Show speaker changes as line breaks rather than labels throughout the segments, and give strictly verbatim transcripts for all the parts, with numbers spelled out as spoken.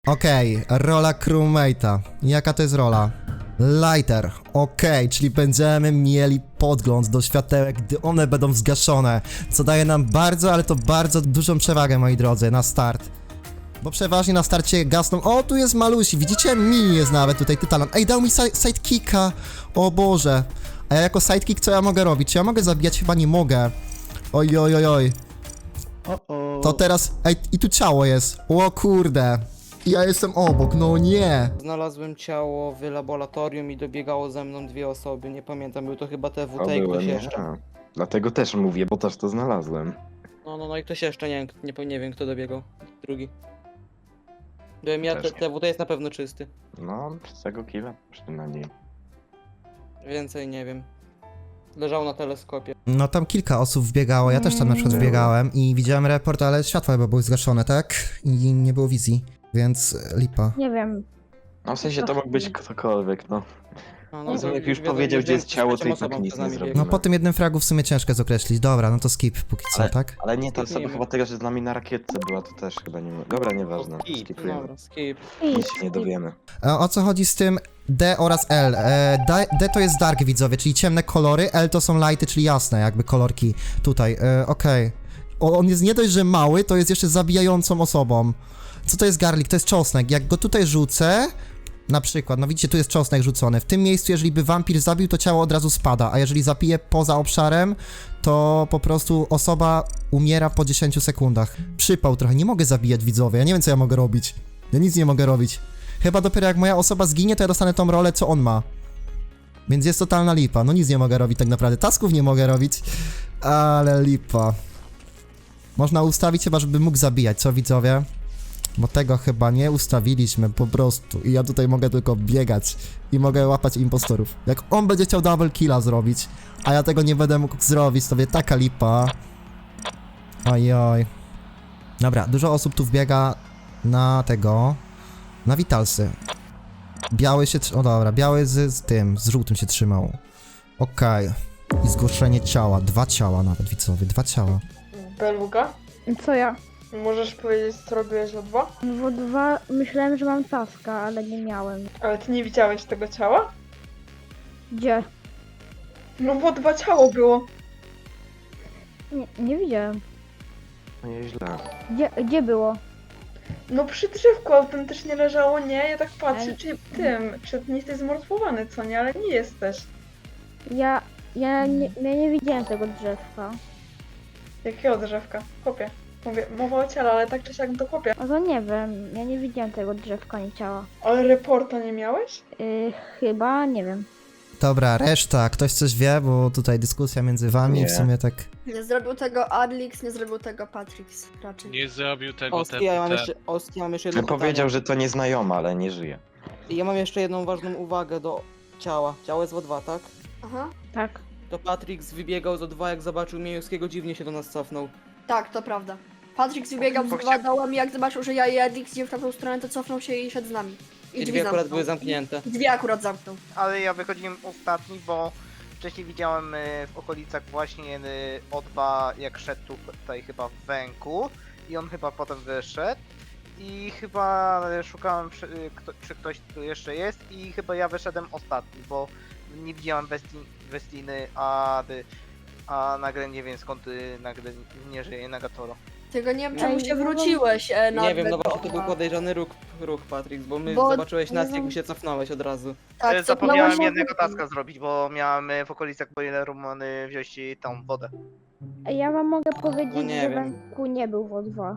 Okej, rola crewmate'a. Jaka to jest rola? Lighter. Okej, czyli będziemy mieli podgląd do światełek, gdy one będą zgaszone, co daje nam bardzo, ale to bardzo dużą przewagę, moi drodzy, na start. Bo przeważnie na starcie gasną. O, tu jest Malusi, widzicie? Mini jest nawet tutaj, Tytalan. Ej, dał mi si sidekicka. O Boże. A ja jako sidekick co ja mogę robić? Czy ja mogę zabijać? Chyba nie mogę. Oj, oj, oj, oj. To teraz... Ej, i tu ciało jest. O kurde. Ja jestem obok, no nie.
Znalazłem ciało w laboratorium i dobiegało ze mną dwie osoby, nie pamiętam, był to chyba T W
To
T i
byłem
ktoś
ja.
jeszcze.
Dlatego też mówię, bo też to znalazłem.
No, no, no i ktoś jeszcze, nie wiem, nie, nie wiem kto dobiegał, drugi. Byłem ja,
Też
T-
nie.
TWT jest na pewno czysty,
No, z tego killa przynajmniej.
więcej nie wiem. Leżał na teleskopie.
No tam kilka osób wbiegało, ja też tam na przykład
Było.
wbiegałem i widziałem report, ale światła chyba były zgaszone, tak? I nie było wizji, więc e, lipa.
Nie wiem.
No w sensie to mógł być ktokolwiek, no.
No,
No,
to
jak już
wiadomo,
powiedział, gdzie jest
że
ciało,
trzecią
to i tak
osobą
nic
przed
nie
nami
zrobił.
No
biegł.
po tym jednym fragu w sumie ciężko jest określić. Dobra, no to skip póki co,
Ale-
tak?
Ale nie, ta osoba
Skipnijmy.
chyba teraz jest z nami na rakietce była, to też chyba nie ma. Dobra, nieważne.
Skip,
Skipujemy.
dobra, skip.
Nic się nie dowiemy.
E, o co chodzi z tym D oraz L? E, D, D to jest dark, widzowie, czyli ciemne kolory, L to są lighty, czyli jasne jakby kolorki tutaj. E, Okej. O, on jest nie dość, że mały, to jest jeszcze zabijającą osobą. Co to jest garlic? To jest czosnek. Jak go tutaj rzucę, na przykład, no widzicie, tu jest czosnek rzucony. W tym miejscu, jeżeli by wampir zabił, to ciało od razu spada, a jeżeli zabije poza obszarem, to po prostu osoba umiera po dziesięciu sekundach. Przypał trochę, nie mogę zabijać, widzowie, ja nie wiem, co ja mogę robić. Ja nic nie mogę robić. Chyba dopiero jak moja osoba zginie, to ja dostanę tą rolę, co on ma. Więc jest totalna lipa, no nic nie mogę robić tak naprawdę, tasków nie mogę robić, ale lipa. Można ustawić chyba, żeby mógł zabijać, co widzowie? Bo tego chyba nie ustawiliśmy po prostu i ja tutaj mogę tylko biegać i mogę łapać impostorów. Jak on będzie chciał double killa zrobić, a ja tego nie będę mógł zrobić, to wie taka lipa. Ojoj. Dobra, dużo osób tu wbiega na tego, na Vitalsy. Biały się, tr- o dobra, biały z, z tym, z żółtym się trzymał. Okej. I zgłoszenie ciała, dwa ciała nawet, widzowie, dwa ciała.
Beluga,
Co ja?
możesz powiedzieć, co robiłeś o dwa?
W dwa myślałem, że mam taska, ale nie miałem.
Ale ty nie widziałeś tego ciała?
Gdzie?
No bo dwa ciało było.
Nie, nie widziałem.
No nieźle.
Gdzie, gdzie było?
No przy drzewku autentycznie leżało, nie? Ja tak patrzę,
Ale-
czy tym, czy nie jesteś zmortwowany, co nie? Ale nie jesteś.
Ja, ja nie, ja nie widziałem tego drzewka.
Jakiego drzewka? Chłopie. Mówię, mowa o ciele, ale tak czy siak to chłopie.
No to nie wiem, ja nie widziałem tego drzewka ani ciała.
Ale reporta nie miałeś?
Yy, chyba, nie wiem.
Dobra, reszta, ktoś coś wie, bo tutaj dyskusja między wami
Nie.
w sumie tak...
Nie zrobił tego Adlix, nie zrobił tego Patrix raczej.
Nie zrobił tego
Oski, ja mam
T W T.
jeszcze, Oski, mam jeszcze jedno
On powiedział,
pytanie.
że to nieznajoma, ale nie żyje.
I ja mam jeszcze jedną ważną uwagę do ciała. Ciało jest w O dwa, tak?
Aha.
Tak.
To Patrix wybiegał z O dwa, jak zobaczył Miejowskiego, dziwnie się do nas cofnął.
Tak, to prawda. Patrix wybiegał z dwa dołem i jak zobaczył, że ja i Adlix idziemy w tamtą stronę, to cofnął się i szedł z nami.
I
drzwi
drzwi akurat
zamknął.
były zamknięte.
Drzwi akurat zamknął.
Ale ja wychodziłem ostatni, bo wcześniej widziałem y, w okolicach właśnie y, O dwa, jak szedł tutaj chyba w węku i on chyba potem wyszedł i chyba y, szukałem przy, y, kto, czy ktoś tu jeszcze jest i chyba ja wyszedłem ostatni, bo nie widziałem Westi, Westiny, a, y, a nagle nie wiem skąd y, nagle nie żyje Nagatoro.
Tego nie wiem,
Ej,
czemu się
no bo-
wróciłeś e, na
Nie wiem, no
tego
właśnie to był
O dwa.
podejrzany ruch, ruch Patrix, bo my
Bo-
zobaczyłeś nas,
no-
jak się cofnąłeś od razu.
Tak,
Y, Zapomniałem
cofnąłeś
jednego
się-
taska zrobić, bo miałem y, w okolicach Boiler Roomany wziąć y, tą wodę.
Ja wam mogę powiedzieć,
No nie
że
wiem.
Wenku nie był w O dwa.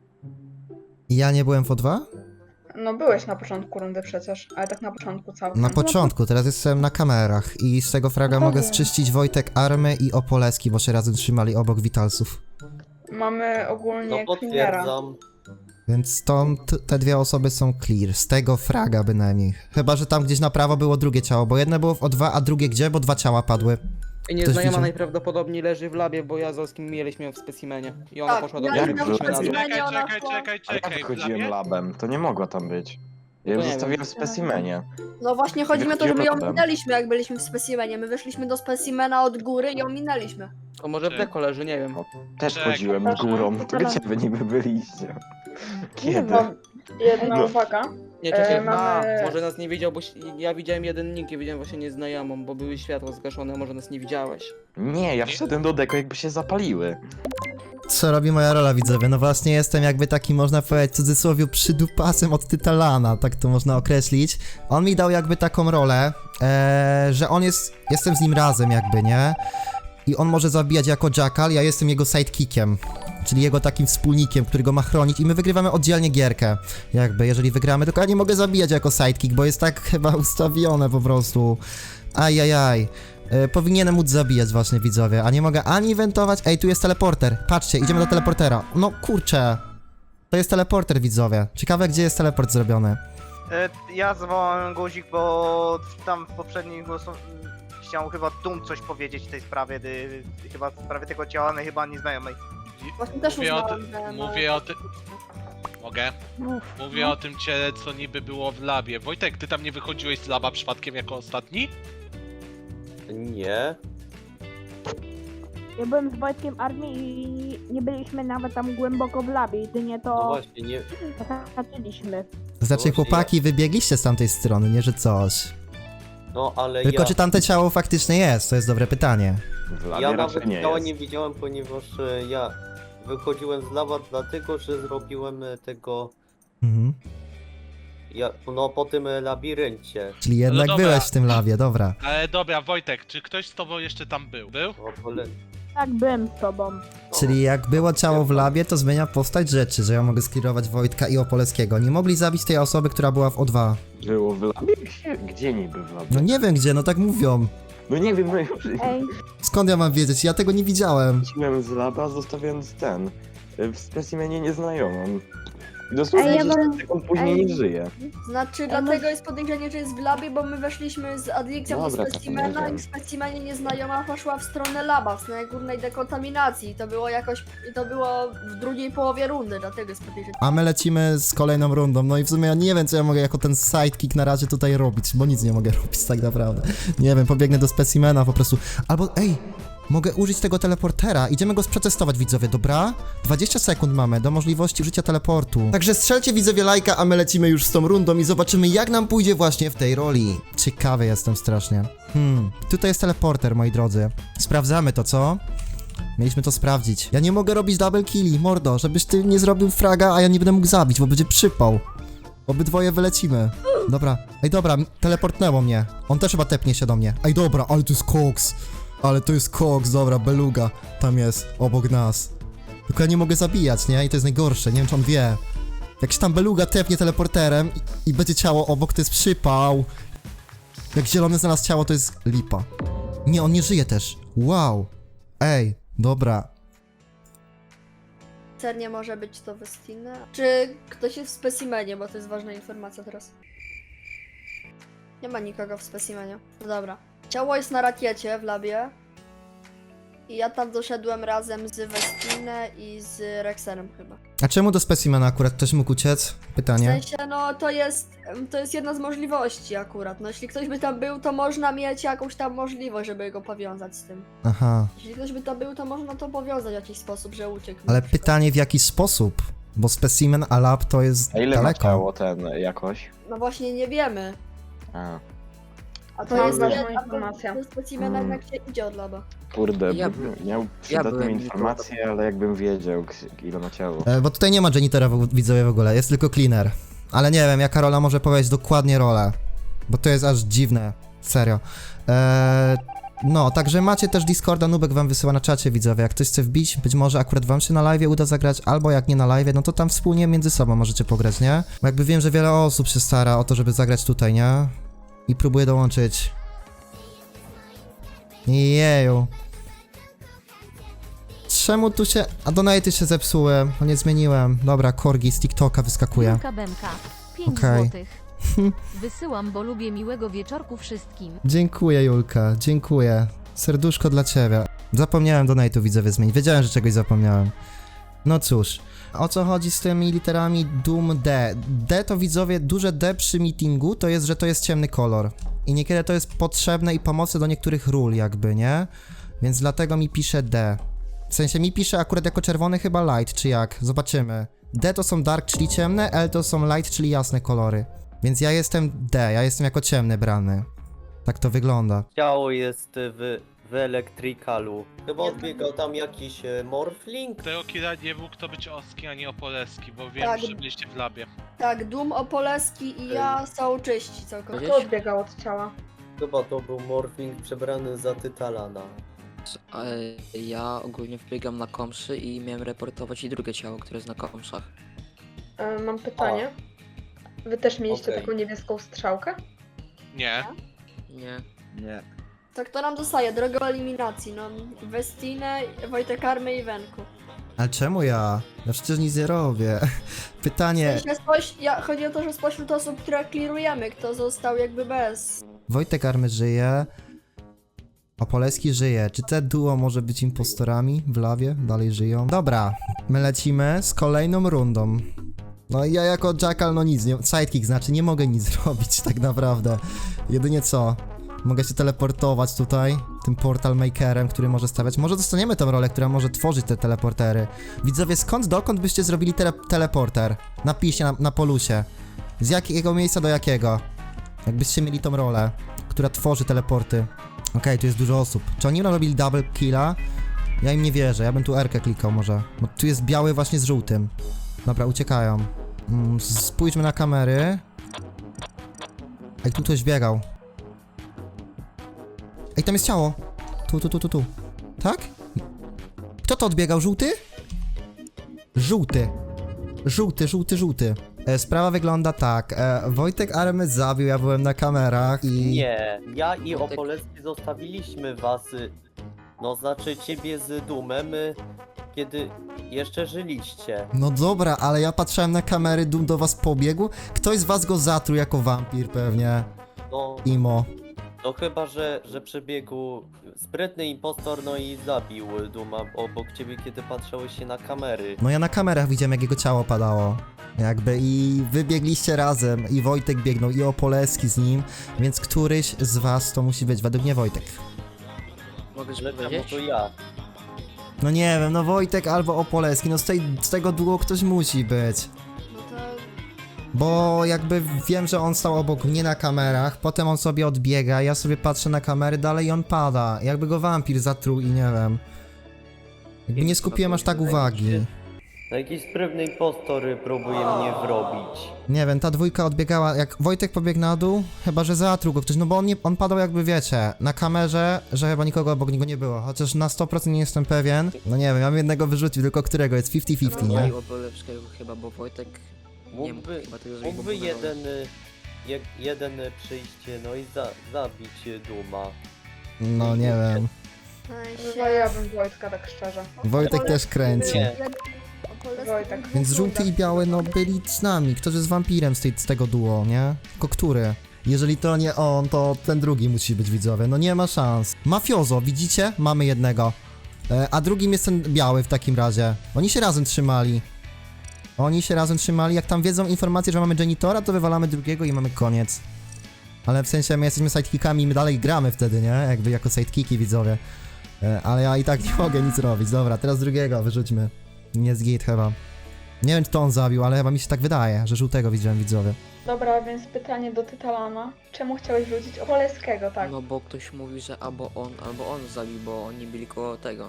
Ja nie byłem w O dwa?
No byłeś na początku rundy przecież, ale tak na początku całkiem.
Na początku, teraz jestem na kamerach i z tego fraga
No
mogę
wiem.
zczyścić Wojtek Army i Opoleski, bo się razem trzymali obok Witalsów.
Mamy
No
ogólnie cleanera.
potwierdzam.
Więc stąd te dwie osoby są clear, z tego fraga bynajmniej. Chyba, że tam gdzieś na prawo było drugie ciało, bo jedno było w O dwa, a drugie gdzie? Bo dwa ciała padły.
I nieznajoma
widział?
najprawdopodobniej leży w labie, bo ja z Oskim mieliśmy ją w specimenie. I ona
Tak,
poszła do
ja
mnie,
i na
wróciliśmy na dół.
specimenie.
Czekaj,
ona
czekaj,
szła-
czekaj,
Ale ja
czekaj.
wychodziłem
Dla mnie?
labem, to nie mogła tam być. Ja ją
To nie
zostawiłem w specimenie.
No właśnie chodzi mi o to, że my ją
Wychodziłem potem.
minęliśmy, jak byliśmy w specimenie. My wyszliśmy do specimena od góry i ją minęliśmy.
To może w deko leży, nie wiem.
Też
Czekaj.
chodziłem górą, to gdzie wy niby byliście?
Nie
Kiedy?
No, Jedna
No.
uwaga.
Nie, czekaj,
E, mamy-
a, może nas nie widział, bo si- ja widziałem jeden nick i widziałem właśnie nieznajomą, bo były światła zgaszone, a może nas nie widziałeś.
Nie, ja wszedłem do deko jakby się zapaliły.
Co robi moja rola, widzowie? No właśnie jestem jakby taki, można powiedzieć, w cudzysłowie przydupasem od Tytalana, tak to można określić. On mi dał jakby taką rolę, e, że on jest, jestem z nim razem jakby, nie? I on może zabijać jako Jackal, ja jestem jego sidekickiem, czyli jego takim wspólnikiem, który go ma chronić i my wygrywamy oddzielnie gierkę, jakby, jeżeli wygramy, tylko ja nie mogę zabijać jako sidekick, bo jest tak chyba ustawione po prostu. Ajajaj. E, powinienem móc zabijać właśnie, widzowie, a nie mogę ani wentować. Ej, tu jest teleporter, patrzcie, idziemy do teleportera. No kurczę, to jest teleporter, widzowie. Ciekawe, gdzie jest teleport zrobiony.
E, Ja zawołałem guzik, bo tam w poprzednim głosu mm, chciał chyba Dum coś powiedzieć w tej sprawie, y, chyba w sprawie tego ciała, ale chyba nieznajomej.
Właśnie też
Mówię o,
uznałam,
ty-
że...
mówię o tym... Mogę?
Mów.
Mówię o tym ciele, co niby było w labie. Wojtek, ty tam nie wychodziłeś z laba przypadkiem jako ostatni?
Nie.
Ja byłem z Wojtkiem armii i nie byliśmy nawet tam głęboko w labie, jedynie
No
to
właśnie, nie.
zahaczyliśmy.
To znaczy,
Właśnie
chłopaki, wybiegliście z tamtej strony, nie, że coś.
No ale
Tylko
ja.
czy tamte ciało faktycznie jest? To jest dobre pytanie.
W labie
Ja
raczej
nawet
nie
ciała
jest.
nie widziałem, ponieważ e, ja wychodziłem z lawa dlatego, że zrobiłem e, tego.
Mhm.
Ja, no po tym e, labiryncie.
Czyli jednak
dobra.
byłeś w tym lawie, dobra.
Ale dobra, Wojtek, czy ktoś z tobą jeszcze tam był? Był?
O, pole...
Tak, byłem z tobą.
no,
Czyli jak było ciało w labie, to zmienia postać rzeczy, że ja mogę sklirować Wojtka i Opoleskiego. Nie mogli zabić tej osoby, która była w O dwa.
Było w labie? Gdzie, gdzie niby w labie?
No nie wiem gdzie, no tak mówią.
No nie wiem, no ja
Ej,
Skąd ja mam wiedzieć? Ja tego nie widziałem.
wróciłem z laba, zostawiając ten, y, w specimenie nieznajomą. I dosłownie
Ej, ja
dziesięć
mam-
sekund później
ej.
nie żyje.
Znaczy, dlatego jest podejrzenie, że jest w labie, bo my weszliśmy z Adlikcją do
Dobra, to
specimena i
wiem.
w specimenie nieznajoma poszła w stronę laba, w stronę górnej dekontaminacji. I to było jakoś, i to było w drugiej połowie rundy, dlatego jest podejrzenie.
A my lecimy z kolejną rundą. No i w sumie ja nie wiem, co ja mogę jako ten sidekick na razie tutaj robić, bo nic nie mogę robić tak naprawdę. Nie wiem, pobiegnę do specimena po prostu. Albo, ej, mogę użyć tego teleportera. Idziemy go przetestować, widzowie, dobra? dwadzieścia sekund mamy do możliwości użycia teleportu. Także strzelcie, widzowie, lajka, a my lecimy już z tą rundą i zobaczymy, jak nam pójdzie właśnie w tej roli. Ciekawy jestem strasznie. Hmm, tutaj jest teleporter, moi drodzy. Sprawdzamy to, co? Mieliśmy to sprawdzić. Ja nie mogę robić double killi, mordo, żebyś ty nie zrobił fraga, a ja nie będę mógł zabić, bo będzie przypał. Obydwoje wylecimy. Dobra, ej dobra, teleportnęło mnie. On też chyba tepnie się do mnie. Ej dobra, ale to jest koks. Ale to jest koks, dobra, beluga. Tam jest, obok nas. Tylko ja nie mogę zabijać, nie? I to jest najgorsze, nie wiem czy on wie. Jak się tam beluga tepnie teleporterem i, i będzie ciało obok, to jest przypał. Jak zielony znalazł ciało, to jest lipa. Nie, on nie żyje też. Wow. Ej, dobra.
Cernie może być to Westina. Czy ktoś jest w specimenie, bo to jest ważna informacja teraz. Nie ma nikogo w specimenie. No dobra. Ciało jest na rakiecie w labie. I ja tam doszedłem razem z Westinę i z Rexerem chyba.
A czemu do specimena akurat ktoś mógł uciec?
W
Pytanie.
sensie, no to jest, to jest jedna z możliwości akurat. No jeśli ktoś by tam był, to można mieć jakąś tam możliwość, żeby go powiązać z tym.
Aha.
Jeśli ktoś by tam był, to można to powiązać w jakiś sposób, że uciekł.
Ale
na przykład.
pytanie w jaki sposób? Bo specimen a lab to jest
A ile ma
daleko.
ciało ten jakoś?
No właśnie nie wiemy.
A,
A to
To
jest
ważna
jedna-
informacja.
To specimen
Mm.
jednak się idzie od laba.
kurde,
Ja
bym miał przydatną
byłem
informację, ale jakbym wiedział, k- ile ma ciało.
E, bo tutaj nie ma janitora w, widzowie w ogóle, jest tylko cleaner. Ale nie wiem, jaka rola może powiedzieć dokładnie rolę. Bo to jest aż dziwne, serio. E, no, także macie też Discorda, Nubek wam wysyła na czacie, widzowie. Jak ktoś chce wbić, być może akurat wam się na live uda zagrać, albo jak nie na live, no to tam wspólnie między sobą możecie pograć, nie? Bo jakby wiem, że wiele osób się stara o to, żeby zagrać tutaj, nie? I próbuje dołączyć. Jeju. Czemu tu się... A donate'y się zepsuły, no nie zmieniłem. Dobra, Korgi z TikToka wyskakuje.
Julka Bemka, pięć
Okej.
złotych. Wysyłam, bo lubię miłego wieczorku wszystkim.
Dziękuję, Julka, dziękuję. Serduszko dla ciebie. Zapomniałem donate'u, widzowie, zmienić. Wiedziałem, że czegoś zapomniałem. No cóż. O co chodzi z tymi literami Doom D? D to, widzowie, duże D przy meetingu to jest, że to jest ciemny kolor. I niekiedy to jest potrzebne i pomocne do niektórych ról jakby, nie? Więc dlatego mi pisze D. W sensie mi pisze akurat jako czerwony chyba light, czy jak? Zobaczymy. D to są dark, czyli ciemne, L to są light, czyli jasne kolory. Więc ja jestem D, ja jestem jako ciemny brany. Tak to wygląda.
Ciało jest w, w elektrykalu. Chyba odbiegał tam jakiś e, morphling.
Tego killa nie mógł to być Oski, a nie Opoleski, bo wiem,
Tak.
że byliście w labie.
Tak, Doom, Opoleski i ja są czyści całkowicie.
Kto odbiegał od ciała?
Chyba to był morphling przebrany za Tytalana.
Ja ogólnie wbiegam na komszy i miałem reportować i drugie ciało, które jest na komszach.
E, mam pytanie. Wy też mieliście
Okej.
taką niebieską strzałkę?
Nie.
Nie.
Nie.
Tak to nam zostaje, droga eliminacji, no. Westinę, Wojtek Army i Wenku.
Ale czemu ja? Ja przecież nic nie robię. Pytanie.
Myślę, spoś... ja, chodzi o to, że spośród osób, które clearujemy, kto został jakby bez.
Wojtek Army żyje. Opoleski żyje. Czy te duo może być impostorami w lawie? Dalej żyją. Dobra, my lecimy z kolejną rundą. No i ja jako Jackal no nic, nie, sidekick znaczy nie mogę nic zrobić tak naprawdę. Jedynie co? Mogę się teleportować tutaj, tym portal makerem, który może stawiać. Może dostaniemy tę rolę, która może tworzyć te teleportery. Widzowie, skąd dokąd byście zrobili tele teleporter? Napiszcie na, na polusie. Z jakiego miejsca do jakiego? Jakbyście mieli tą rolę, która tworzy teleporty. Okej, okay, tu jest dużo osób. Czy oni robili double killa? Ja im nie wierzę, ja bym tu R-kę klikał może. Bo tu jest biały właśnie z żółtym. Dobra, uciekają. Mm, spójrzmy na kamery. Ej, tu ktoś biegał. Ej, tam jest ciało. Tu, tu, tu, tu, tu. Tak? Kto to odbiegał? Żółty? Żółty. Żółty, żółty, żółty. E, sprawa wygląda tak. E, Wojtek Army zabił, ja byłem na kamerach i...
Nie, ja i
Wojtek-
Opolecki zostawiliśmy was, y, no znaczy ciebie z Dumem, y, kiedy jeszcze żyliście.
No dobra, ale ja patrzyłem na kamery, Dum do was pobiegł. Ktoś z was go zatruł jako wampir pewnie.
No,
Imo.
no chyba, że, że przebiegł sprytny impostor, no i zabił Duma obok ciebie, kiedy patrzałeś się na kamery.
No ja na kamerach widziałem, jak jego ciało padało. Jakby i wybiegliście razem, i Wojtek biegnął, i Opoleski z nim, więc któryś z was to musi być, według mnie Wojtek.
Mogę
Ale czemu
powiedzieć?
to ja?
No nie wiem, no Wojtek albo Opoleski, no z, tej, z tego duo ktoś musi być.
No to...
Bo jakby wiem, że on stał obok mnie na kamerach, potem on sobie odbiega, ja sobie patrzę na kamery dalej i on pada. Jakby go wampir zatruł i nie wiem. Jakby nie skupiłem aż tak uwagi.
No jakiś sprytny impostor próbuje mnie wrobić.
Nie wiem, ta dwójka odbiegała, jak Wojtek pobiegł na dół, chyba że zatruł go ktoś, no bo on, nie, on padał jakby wiecie, na kamerze, że chyba nikogo obok niego nie było, chociaż na sto procent nie jestem pewien. No nie wiem, ja bym jednego wyrzucił, tylko którego, jest fifty fifty, nie?
Nie? Opolepskiego chyba, bo Wojtek nie mógł
Mógłby,
chyba tego zrobić, bo
mógłby
był na dole.
jeden, y, je, jeden y, przyjść, no i za, zabić y, Duma.
No nie wiem.
Chyba ja bym Wojtka, tak szczerze.
Wojtek też kręci.
Nie.
Wojtek.
Więc żółty i biały, no byli z nami, ktoś jest wampirem z, tej, z tego duo, nie? Tylko który? Jeżeli to nie on, to ten drugi musi być, widzowie, no nie ma szans. Mafiozo, widzicie? Mamy jednego. E, a drugim jest ten biały w takim razie. Oni się razem trzymali. Oni się razem trzymali, jak tam wiedzą informacje, że mamy janitora, to wywalamy drugiego i mamy koniec. Ale w sensie my jesteśmy sidekickami i my dalej gramy wtedy, nie? Jakby jako sidekicki, widzowie. E, ale ja i tak nie mogę nic robić. Dobra, teraz drugiego wyrzućmy. Nie z git chyba. Nie wiem, czy to on zabił, ale chyba mi się tak wydaje, że żółtego widziałem, widzowie.
Dobra, więc pytanie do Tytalana. Czemu chciałeś wrzucić Opoleskiego, tak?
No bo ktoś mówi, że albo on, albo on zabił, bo oni byli koło tego.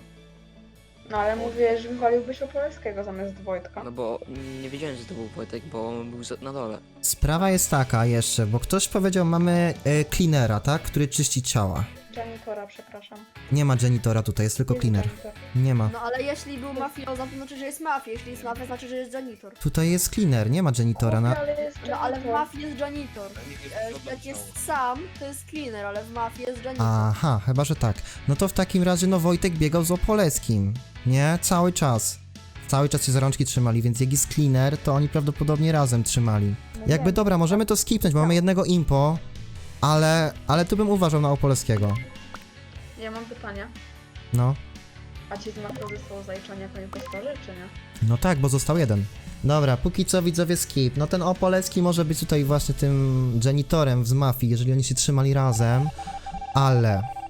No ale mówiłeś, że wywaliłbyś Opoleskiego zamiast Wojtka.
No bo nie wiedziałem, że to był Wojtek, bo on był za- na dole.
Sprawa jest taka jeszcze, bo ktoś powiedział, mamy e, cleanera, tak? Który czyści ciała.
Janitora, przepraszam.
Nie ma janitora tutaj, jest tylko
Jest
cleaner.
janitor.
Nie ma.
No ale jeśli był mafioza, to znaczy, że jest mafia. Jeśli jest mafia, znaczy, że jest janitor.
Tutaj jest cleaner, nie ma janitora. Na...
Ale jest
No ale w
janitor.
mafii jest janitor. E, Jak jest sam, to jest cleaner, ale w mafii jest janitor.
Aha, chyba, że tak. No to w takim razie, no Wojtek biegał z Opoleskim, nie? Cały czas. Cały czas się za rączki trzymali, więc jak jest cleaner, to oni prawdopodobnie razem trzymali. Jakby dobra, możemy to skipnąć, bo mamy jednego impo, ale, ale tu bym uważał na Opoleskiego.
Ja mam pytanie.
No.
A ci z mafiozy są zaliczani jako impostorzy, czy nie?
No tak, bo został jeden. Dobra, póki co widzowie skip. No ten Opolecki może być tutaj właśnie tym janitorem z mafii, jeżeli oni się trzymali razem, ale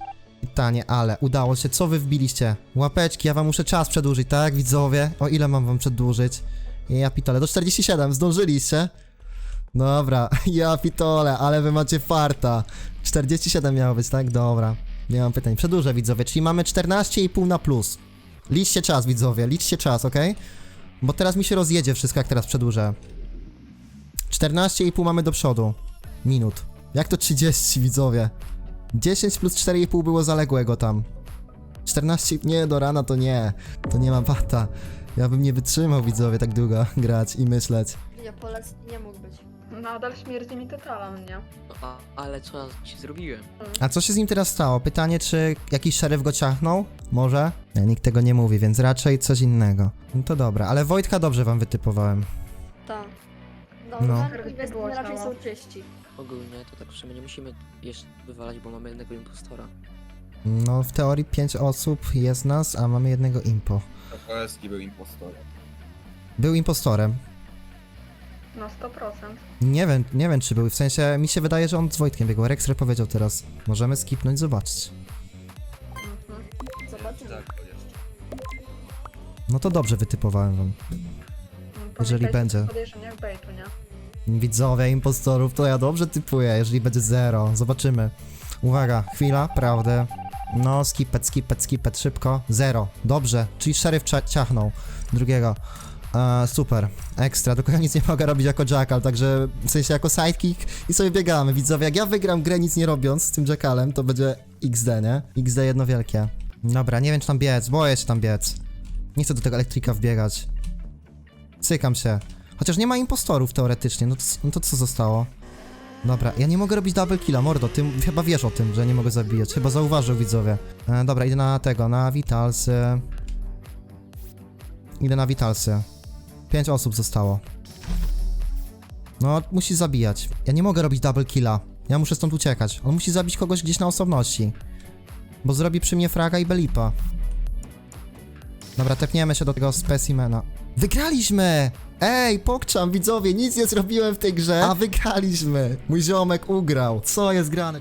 Pytanie, ale udało się, co wy wbiliście? Łapeczki, ja wam muszę czas przedłużyć, tak widzowie? O ile mam wam przedłużyć? Ja pitole, do czterdziestu siedmiu, zdążyliście? Dobra, ja pitole, ale wy macie farta. czterdzieści siedem miało być, tak? Dobra, nie mam pytań. Przedłużę, widzowie, czyli mamy czternaście i pół na plus. Liczcie czas, widzowie, liczcie czas, ok? Bo teraz mi się rozjedzie wszystko, jak teraz przedłużę. czternaście i pół mamy do przodu. Minut. Jak to trzydzieści, widzowie? dziesięć plus cztery i pół było zaległego tam. czternaście, nie, do rana to nie. To nie ma bata. Ja bym nie wytrzymał, widzowie, tak długo grać i myśleć.
Nie, Polecki nie mógł być.
Nadal śmierdzi mi totalem, nie?
No, a, ale co ja ci zrobiłem?
A co się z nim teraz stało? Pytanie, czy jakiś szeryf go ciachnął? Może? Nie, nikt tego nie mówi, więc raczej coś innego. No to dobra, ale Wojtka dobrze wam wytypowałem.
Tak. No,
No.
no.
Było
Inwestycje raczej
ciało.
są czyści.
Ogólnie to tak w sumie nie musimy jeszcze wywalać, bo mamy jednego impostora.
No, w teorii pięć osób jest nas, a mamy jednego impo.
Koleski był impostorem.
Był impostorem.
No sto procent.
Nie wiem, nie wiem czy był, w sensie mi się wydaje, że on z Wojtkiem biegł. Rexer powiedział teraz. Możemy skipnąć, zobaczyć.
Mhm.
Zobaczymy.
Tak, to jeszcze.
No to dobrze wytypowałem wam. Jeżeli będzie.
Podejrzeniach bejtu, nie?
Widzowie impostorów, to ja dobrze typuję, jeżeli będzie zero. Zobaczymy. Uwaga, chwila, prawdy. No, skipet, skipet, skipet, szybko. Zero. Dobrze, czyli szeryf cia- ciachnął drugiego. E, super, ekstra, tylko ja nic nie mogę robić jako jackal, także w sensie jako sidekick i sobie biegamy. Widzowie, jak ja wygram grę nic nie robiąc z tym jackalem, to będzie X D, nie? X D jedno wielkie. Dobra, nie wiem czy tam biec, boję się tam biec. Nie chcę do tego elektryka wbiegać. Cykam się. Chociaż nie ma impostorów teoretycznie, no to, no to co zostało? Dobra, ja nie mogę robić double killa, mordo, ty chyba wiesz o tym, że nie mogę zabijać, chyba zauważył widzowie. E, dobra, idę na tego, na Vitalsy. Idę na Vitalsy. Pięć osób zostało. No, musi zabijać. Ja nie mogę robić double killa, ja muszę stąd uciekać. On musi zabić kogoś gdzieś na osobności. Bo zrobi przy mnie fraga i belipa. Dobra, tepniemy się do tego specimena. Wygraliśmy! Ej, pokczam, widzowie, nic nie zrobiłem w tej grze, a wygraliśmy! Mój ziomek ugrał. Co jest grane?